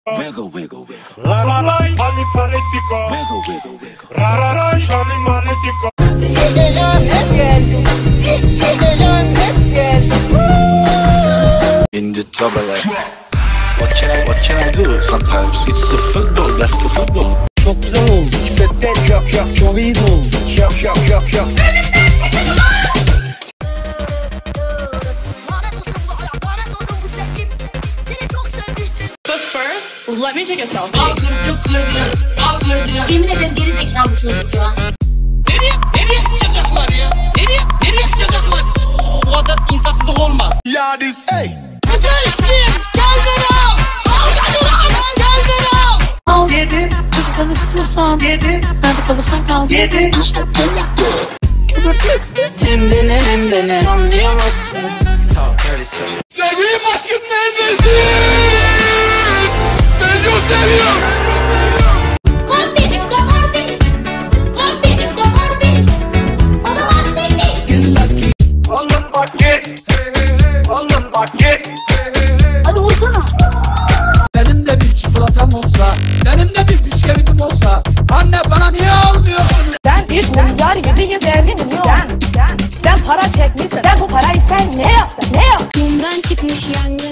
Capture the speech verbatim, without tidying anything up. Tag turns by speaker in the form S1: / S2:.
S1: Wiggle, wiggle, wiggle.
S2: La la la, manipaletico.
S1: Wiggle, wiggle, wiggle.
S2: Ra ra ra, manipaletico.
S3: Geceler hep geldim. Geceler hep geldim.
S4: In the trouble, like, what can I, what can I do? Sometimes it's the football, that's the football.
S5: Çok güzel oldu. Pipetler yok yok. Çok iyi oldu. Yok yok yok yok.
S6: But first, let me take a selfie.
S7: Al kırdı kırdı. Al kırdı. Yemin ederim geri zekalı bu çocuk ya.
S8: Nereye, nereye sıçacaklar ya? Nereye, nereye sıçacaklar? Bu kadar insafsızlık olmaz.
S1: Ya this hey.
S7: Geçtim. Gel beni al. Al beni al. Gel beni al.
S6: Al yedi. Çocuklarını istiyorsan yedi. Nerede kalırsan kal yedi. Hem de ne hem de ne anlayamazsınız.
S2: Sevgilim aşkım neredesin? Seni çok seviyorum.
S7: Kom benim damar benim. Kom benim damar benim. Bana bahsettin.
S2: Alın paket. Alın paket.
S7: Hadi vursana.
S8: Benim de bir çikolatam olsa, benim de bir bisküvitim olsa, anne bana niye almıyorsun?
S3: Sen bir milyar yedi yüz elli milyon. Sen, sen, sen para çekmişsin. Sen bu parayı sen ne yaptın? Ne yaptın?
S6: Kumdan çıkmış yan